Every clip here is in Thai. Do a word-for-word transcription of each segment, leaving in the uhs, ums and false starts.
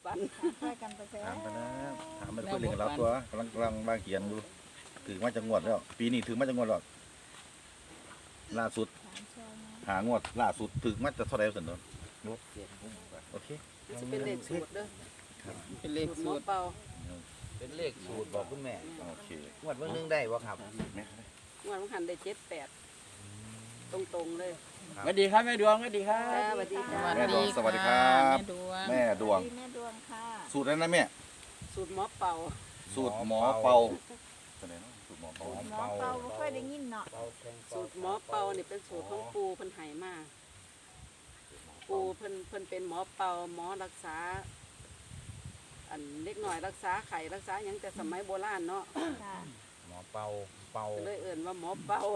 ปันช่วยกันไปแซ่ถามกันนะถามมันเพื่อนเรื่องเราตัวกำลังกำลังบางเขียนดูถือมาจะงวดแล้วปีนี้ถือมาจะงวดแล้วล่าสุดหางวดล่าสุดถือมาจะเท่าไหร่สันโดนโอเคจะเป็นเลขสูตรเด้อเป็นเลขหมสูอตรเป่าเป็นเลขสูตรบอกคุณแม่โอเคงวดเมื่อนึงได้บ่ครับงวดมันหันได้เจ็ดแปดตรงๆเลยสวัสดีครับแม่ดวงสวัสดีครัจ้าบสวัสดีจ้าแม่ดวงสวัสดีครับแม่ดวงแม่ดวงแม่ดวงค่ะสูตรนั้นนะแม่สูตรหมอเป่าสูตรหมอเป่าตัวไหนเนาะสูตรหมอเป่าหมอเป่าบ่ค่อยได้ยินเนาะสูตรหมอเป่านี่เป็นสูตรของปูเพิ่นไหมาปูเพิ่นเพิ่นเป็นหมอเป่าหมอรักษา อันเล็กหน่อยรักษาไข้รักษาหยังแต่สมัยโบราณเนาะค่ะหมอเป่าเป่าก็เลยเอิ่นว่าหมอเป่า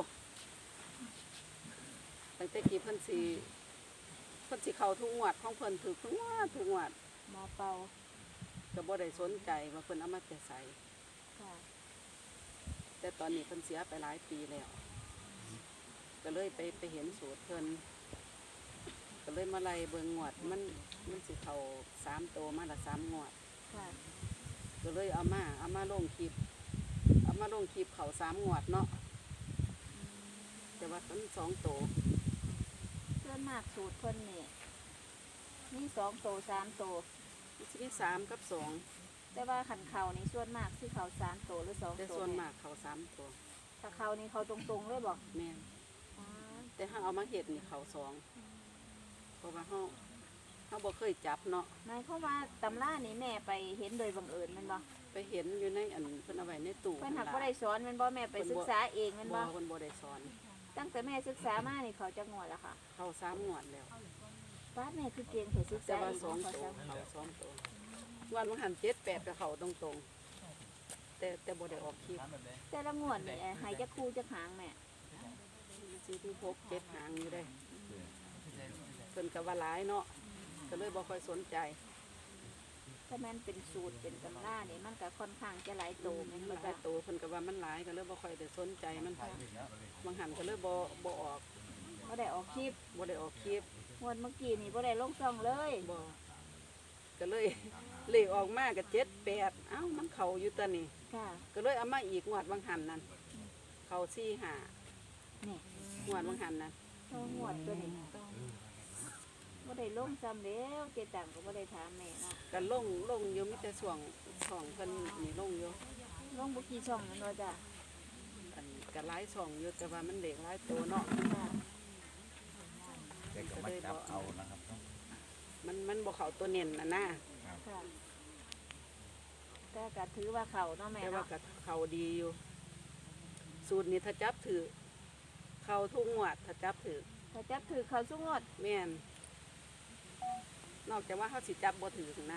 ตั้งแต่กี้เพิ่นสิเพิ่นสิเข้าทุกงวดของเพิ่นถูกทุกงวดทุกงวดหมอเป่าก็บ่ได้สนใจว่าเพิ่นเอามาแต่ใส่ค่ะแต่ตอนนี้เพิ่นเสียไปหลายปีแล้ว ก็เลยไปไปเห็นสูตรเพิ่นก็เลยมาไล่เบิ่งงวดมันมันสิเข้าสามโตมาละสามงวดค่ะก็เลยเอามาเอามาลงคลิปเอามาลงคลิปเขาสามงวดเนาะแต่ว่ามันสองโตส่วนมากสูตรเพิ่นนี่มีสองโตสามโตมันสิมีสามกับสองแต่ว่าขันเขานี่ส่วนมากสิเขาสามโตหรือสองแต่โตส่วนแม่มากเขาสามตัวถ้าเขานี่เขาตรงๆเลยบอกแม่นอ๋อแต่ถ้าเอามาเห็ดนี่เขาสองเพราะว่าเขาเขาบ่เคยจับเนาะหมายความว่าตำรานี่แม่ไปเห็นโดยบังเอิญแมันบ่ไปเห็นอยู่ในอันเพิ่นเอาไว้ในตู้เพิ่นหักบ่ได้สอนแมันบ่แม่ไปศึกษาเองแมันบ่บ่เพิ่นบ่ได้สอนตั้งแต่แม่ศึกษามานี่เขาจะงวดแล้วค่ะเขาสามงวดแล้วบ้านแม่คือเก่งเถอะศึกแต่ษาว่าเองสองเขาตัวซ้เขาสองตัววันมันหันเจ็ดแปดกับเขาตรงๆแต่แต่บ่ได้ออกคลิปำแต่ละงวดนี่ใหายจะคู่จะหางแม่ซื้อที่พกเจ็ดหางอยู่ได้เพิ่นก็ว่าหลายเนาะก็เลยบ่ค่อยสนใจถ้าแม่นเป็นสูตรเป็นตำรานี่มันก็ค่อนข้างจะหลายโตแม่นมับ่นหลาจ้ะยตัวเพิ่นก็ว่ามันหลายก็เลยบ่ค่อยได้สนใจมันบางหันก็เลยบ่บ่ออกบ่ได้ออกคลิปบ่ได้ออกคลิปงวดเมื่อกี้นี่บ่ได้ลงช่องเลยบ่ก็เลย เลขออกมาก็เจ็ดแปดเอ้ามันเข้าอยู่ตัวนี้ค่ะก็เลยเอามาอีกงวดบางหันนั่นเข้าสี่ห้านี่งวดบางหันนั่นต้องงวดตัวนี้บ่ได้ลงซ้ำแล้วเจตังก็บ่ได้ถามแม่เนาะก็ลงลงอยู่มีแต่ช่วงช่องเพิ่นนี่ลงอยู่ลงบ่กี่ช่องแม่นบ่จ้ะอันก็หลายช่องอยู่แต่ว่ามันเด็กหลายตัวเนาะค่ะเด็กก็มาจับเอานะครับมันมันบ่เข้าตัวเน้นน่ะนะค่ะแต่ก็ถือว่าเขาเนาะแม่แต่ว่าเนาะก็เข้าดีอยู่ สูตรนี้ถ้าจับถือเข้าทุกงวดถ้าจับถือถ้าจับถือเขาสุงวดแม่นนอกจากว่าเขาสิจับบ่ถือนะ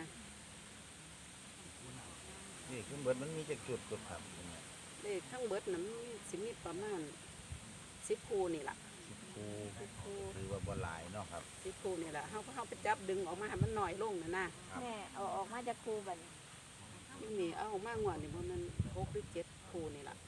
นี่คือเบิดมันมีจักจุดจุดครับคุณแม่เลขทั้งเบิดนั้นสิมีประมาณสิบคู่นี่ล่ะสิบคูหรือว่าบ่หลายเนาะครับสิบคู่นี่ล่ะเขาเขาไปจับดึงออกมาให้มันน้อยลงนะนะครับแม่เอาออกมาจากครูบัดนี้นี่นี่เอาออกมางวดนี่บ่แมันหกหรือเจ็ดคู่นี่ล่ะ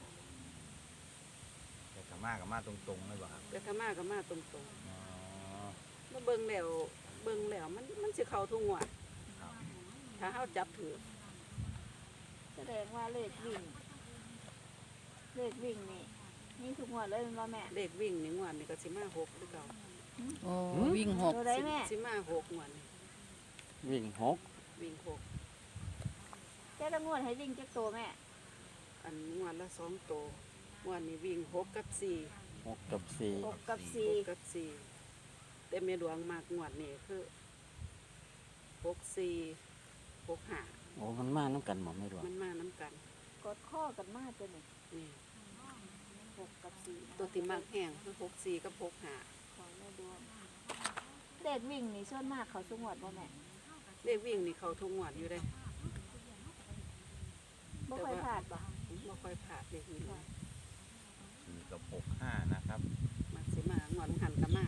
แต่ถ้ามาก็มาตรงๆเลยบ่ครับแต่ถ้ามาก็มาตรงอ๋อๆมาเบิ่งแล้วเบิ่งแล้วมันมันสิเข้าทุกงวดครับถ้าเขาจับถือแสดงว่าเลขวิ่ง เลขวิ่งนี่นี่ทุกงวดเลยแม่นบ่แม่เลขวิ่งนี่งวดนี่ก็สิมาหกหรือเก่าโอ้วิ่งหกตัวใดแม่สิมาหกงวดนี่วิ่งหกวิ่งหกแต่ละงวดให้วิ่งจักโตแม่อันงวดละสองตัวงวดนี้วิ่งหกกับสี่หกกับสี่หกกับหสี่กกับสี่แต่เมดวงมากงวดนี่คือหกสี่หกห้าโอ้มันมาน้ำกันหมดไม่รวมมันมาน้ำกันกดข้อกันมาตัวนี้นี่หกกับสี่ตัวที่มากแห้งคือหกสี่กับหกห้าของแม่ดวงเลขวิ่งนี่ส่วนมากเขาสุงวดบ่แม่เลขวิ่งนี่เขาทุกงวดอยู่เลยบ่ค่อยพลาดบ่ไม่ค่อยผ่าดเลขวิ่งสี่กับหกห้านะครับมาสิมางวดหันกับมา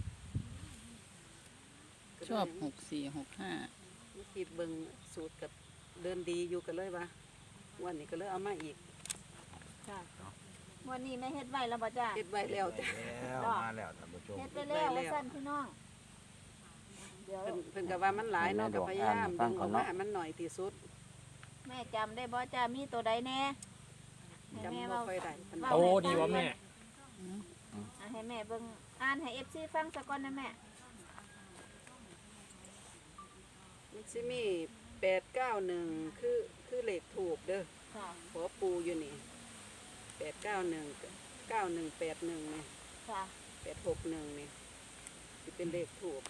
ชอบหกสี่หกห้าเมื่อกี้เบิ่งสูตรกับเดินดีอยู่กันเลยวะงวันนี้ก็เลยเอามาอีกค่ะวันนี้แม่เฮ็ดไว้แล้วบ่จ้าเฮ็ดไว้แล้วจ้ะแล้วมาแล้วท่านผู้ชมเฮ็ดไปแล้วว่าสั้นพี่น้องเดี๋ยวเพิ่นเพิ่นก็ว่ามันหลายเนาะก็พยายามดึงออกมาให้มันหน่อยที่สุดแม่จำได้บ่จ้ามีตัวใดแน่ให้จำแม่บ่เว้าค่อยได้ปานใดเว้าโตให้ดีฟังวะแม่อ่ะให้แม่เบิ่งอ่านให้ เอฟ ซี ฟังสักก่อนนะแม่มันสิมีแปดเก้าหนึ่งคือคือเลขถูกเด้อค่ะขอปูอยู่นี่แปดเก้าหนึ่งเก้าหนึ่งแปดหนึ่งนี่ค่ะแปดหกหนึ่งนี่สิเป็นเลขถูก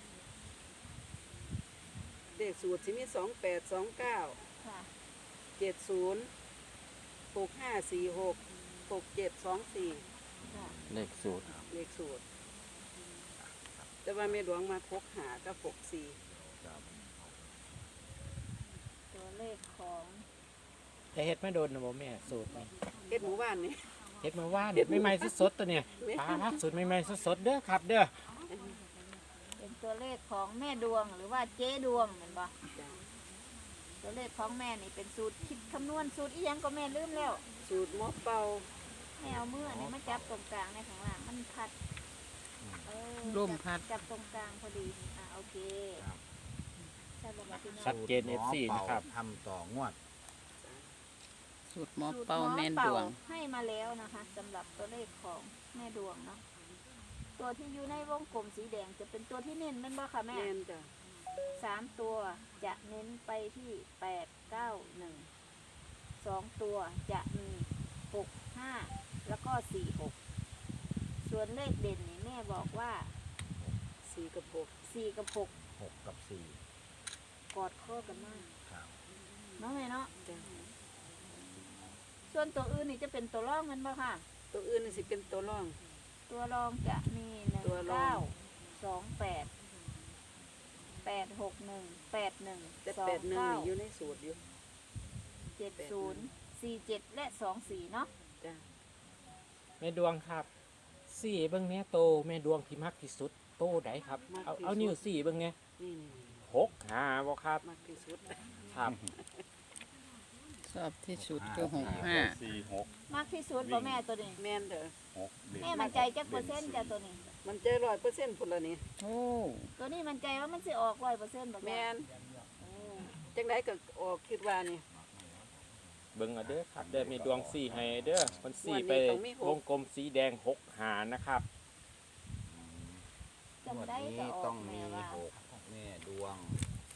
เลขสูตรสิมีสองแปดสองเก้าค่ะเจ็ดศูนย์หกห้าสี่หกหกเจ็ดสองสี่ค่ะเลขสูตรเลขสูตร แต่ว่าแม่หลวงมาพกหากับหกสี่ตัวเลขของแต่เฮ็ดไม่โดนนะบ่แม่สูตรนี่เฮ็ดหมู่บ้านนี่เฮ็ดมาว่าเด็ดไม่ใหม่สดๆตัวเนี่ยปลาสูตรไม่ใหม่สดๆเด้อครับ เด้อเป็นตัวเลขของแม่ดวงหรือว่าเจ๊ดวงเหมือนบ่จ้ะตัวเลขของแม่นี่เป็นสูตรคิดคำนวณสูตรอีหยังก็แม่ลืมแล้วสูตรหมอเป่าแม่เอามืออันนี้มาจับตรงกลางในข้างล่างมันพัดเออร่มพัดจับตรงกลางพอดีอ่ะโอเคใช่บ่ครับพี่น้องชัดเจน เอฟ ซี นะครับทำต่องวดสูตรหมอสูตรเป่าหมอแม่นเป่าดวงให้มาแล้วนะคะสำหรับตัวเลขของแม่ดวงเนาะตัวที่อยู่ในวงกลมสีแดงจะเป็นตัวที่เน้นแม่นบ่ค่ะแม่แม่นจ้ะสามตัวจะเน้นไปที่แปดเก้าหนึ่งสองตัวจะมีหกห้าแล้วก็สี่หกส่วนเลขเด่นนี่แม่บอกว่าสี่กับหกสี่กับหกหกกับสี่กอดข้อกันมากครับเนาะแม่เนาะจ้ะส่วนตัวอื่นนี่จะเป็นตัวร่องแมันบ่ค่ะตัวอื่นนี่สิเป็นตัวร่องตัวรองจะมีหนึ่งตัวรอเก้าง สองแปดแปดหกหนึ่งแปดหนึ่งแต่สอแปงดหนึ่งเก้านี่อยู่ในสูตรอยู่เจ็ดศูนย์สี่เจ็ดและสองสี่เนาะจ้ะแม่ดวงครับสี่เบิ่งเนี้ยโตแม่ดวงที่มักที่สุดโตไดครับ เอาเอานิ้วสี่เบิ่งเนี้ยนี่นี่นี่หกห้าบ่ครับมากที่สุดครับชอบที่สุดคือหกห้าสี่หกมากที่สุดบ่แม่ตัวนี้แม่นเด้อหกเด่นแม่มันใจจักเปอร์เซ็นต์จ้ะตัวนี้มันใจร้อยเปอร์เซ็นต์พุ่นละนี่โอ้ตัวนี้มันใจว่ามันสิออกร้อยเปอร์เซ็นต์บ่แม่นโอ้จังไดก็ออกคิดว่านี่เบิ่งเอาเด้อครับเด้อแม่ดวงสี่ให้เด้อมันสี่ไปวงกลมสีแดงหกหานะครับจังงวดได้ก็นี้ออต้อก งแม่มีว่าหกแม่ดวง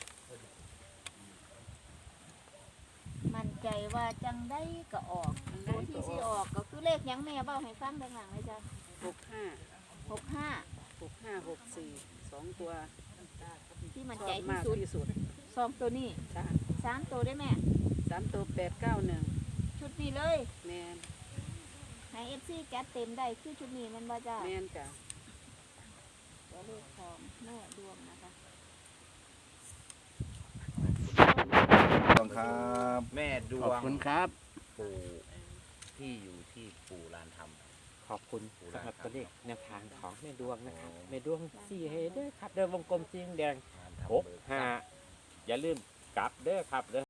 มันใจว่าจังได้ก็ออกตัวที่สิออกก็คือเลขหยังแม่เบ้าให้ฟังด้านหลังเลยจ้ะหกห้าหกห้าหกห้าหกสี่สองตัวที่มันชอใจบที่มากสุดที่สุดสองตัวนี้จ้ะสามตัวได้แม่สามตัวแปดเก้าหนึ่งชุดนี้เลยแม่นให้เอฟซีจัดเต็มได้คือชุดนี้มันบ่จ้าแม่นจ้ะตัวเลขของแม่ดวงนะคะต้องครับแม่ดขอบวงคุณครับปู่ที่อยู่ที่ปู่ลานธรรมขอบคุณสำหรับตัวเลขแนวทางของแม่ดวงนะครับแม่ดวงสี่ให้เด้อครับเด้อวงกลมสีแดงลานธรรมหกเบิกทรัพย์ห้าอย่าลืมกลับเด้อครับเด้อ